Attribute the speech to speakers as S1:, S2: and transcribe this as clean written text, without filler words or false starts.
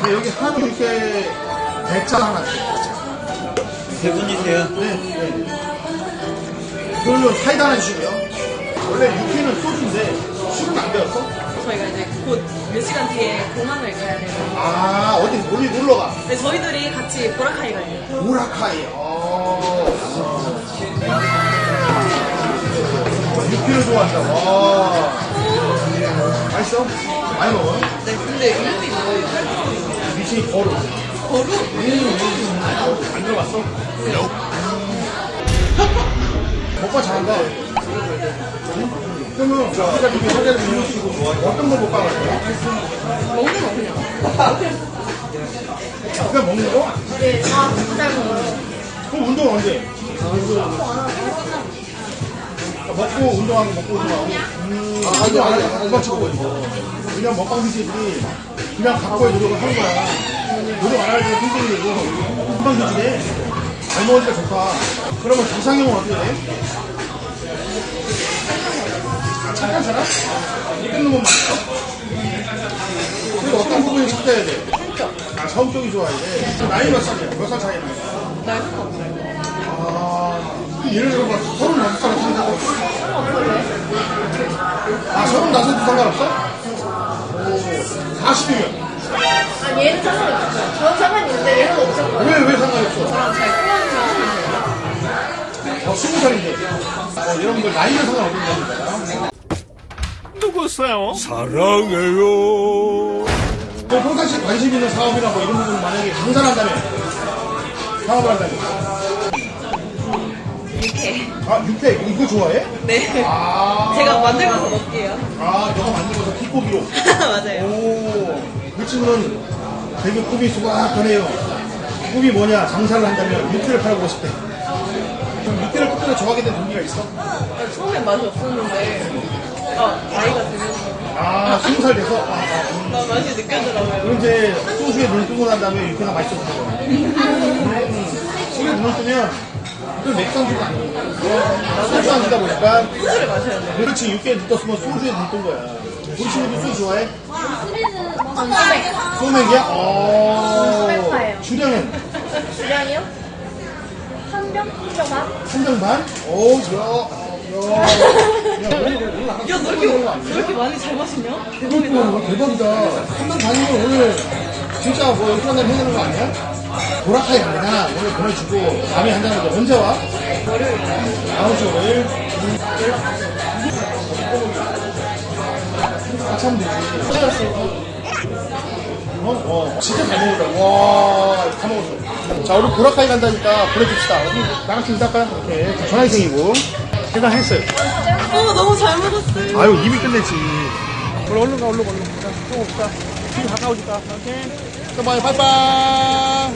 S1: 네, 여기 한우 이렇게 대짜 하나 주세요.
S2: 세 분이세요?
S1: 네. 그걸로 사이다 하나 주시고요. 원래 육회는 소주인데 술은 안 배웠어?
S3: 저희가 이제 곧 몇 시간 뒤에 공항을 가야 돼요.
S1: 아, 어디 놀러 가?
S3: 네, 저희들이 같이 보라카이 가요.
S1: 보라카이. 육회를 좋아한다. 와. 맛있어? 많이 먹어?
S3: 네, 근데 이름이 뭐예요?
S1: 미친이 거루.
S3: 거루?
S1: 안 들어봤어? 먹방 잘한다. 그러면 우리가 이렇게 사자를 비우시고 어떤 걸 먹방 할 거야?
S3: 먹는 거 그냥.
S1: 그냥 먹는 거?
S3: 네, 잘 먹어요.
S1: 그럼 운동 언제? 먹고 운동하고 먹고 운동하고. 운동 안 하고 그만 치고 있어. 그냥 먹방 BJ들이 그냥 각고의 노력을 하는 거야. 노력 안 할 때 힘들게 되고 금방 좋지네. 잘 먹으니까 좋다. 그러면 이상형은 어떻게 돼? 착한 사람? 이쁜 놈은 맞죠? 그리고 어떤 부분이 찾아야 돼?
S3: 성격.
S1: 아, 성격이 좋아야 돼. 나이 몇 살이야? 몇 살 차이 나요?
S3: 날 상관없어요.
S1: 예를 들어 봐, 35살 상관없어? 아, 35도 상관없어? 오, 40이면.
S4: 아, 얘는 상관이 없어요. 저는 상관이 있는데 얘는 없을 거예요.
S1: 왜 상관이 없어?
S3: 저랑 잘 통하는
S1: 20살인데. 여러분들 나이는 상관없는 겁니다.
S5: 누구세요? 사랑해요.
S1: 평상시 관심 있는 사업이나 뭐 이런 부분 만약에 강산한다면 사업을 한다면
S3: 이렇게.
S1: 아 육회 이거 좋아해?
S3: 네.
S1: 아
S3: 제가 만들어서 먹게요.
S1: 아 너가 만들어서 킥고기로
S3: 맞아요.
S1: 오그 친구는 되게 꿈이 수박하네요. 꿈이 뭐냐 장사를 한다면 육회를 팔아보고 싶대. 그럼 육회를 끝까지 좋아하게 된 동기가 있어?
S3: 처음엔 맛이 없었는데, 나이가 들면서
S1: 아 20살 돼서
S3: 맛이 느껴지더라고요.
S1: 그럼 이제 소주에 눈을 뜨고 난 다음에 육회가 맛있어진 거야. 소주에 눈을 뜨면 그 맥주 안주가 아니야. 소주 안주다 보니까
S3: 소주를 마셔야 돼요.
S1: 그렇지 육회에 눈 떴으면 소주에 눈 뜬 거야. 우리 친구도 소주 좋아해?
S4: 전 소맥.
S1: 소맥이야?
S4: 소맥파예요.
S1: 주량은?
S4: 주량이요? 한 병? 한병 반?
S1: 한 병 반? 오, 야.
S3: 야, 너 이렇게 많이 잘 마시냐? 대박이다.
S1: 와, 대박이다. 한 병 반이면 오늘 진짜 뭐 이런 날 해야 되는 거 아니야? 보라카이 갑니다. 오늘 보내주고 밤에 한다는데 언제 와?
S3: 월요일.
S1: 다음 주 월요일? 같이 하면 되지. 진짜 잘 먹었다. 와, 다 먹었어. 자, 우리 보라카이 간다니까 보내줍시다. 우리 나같이 인사할까요? 이렇게. 전화기생이고. 해당했어요.
S3: 너무 잘 먹었어요.
S1: 아유, 이미 끝냈지. 얼른 가. 자, 좀 옵시다. 지금 가까워질까? 오케이. 또 봐요. 빠이빠이.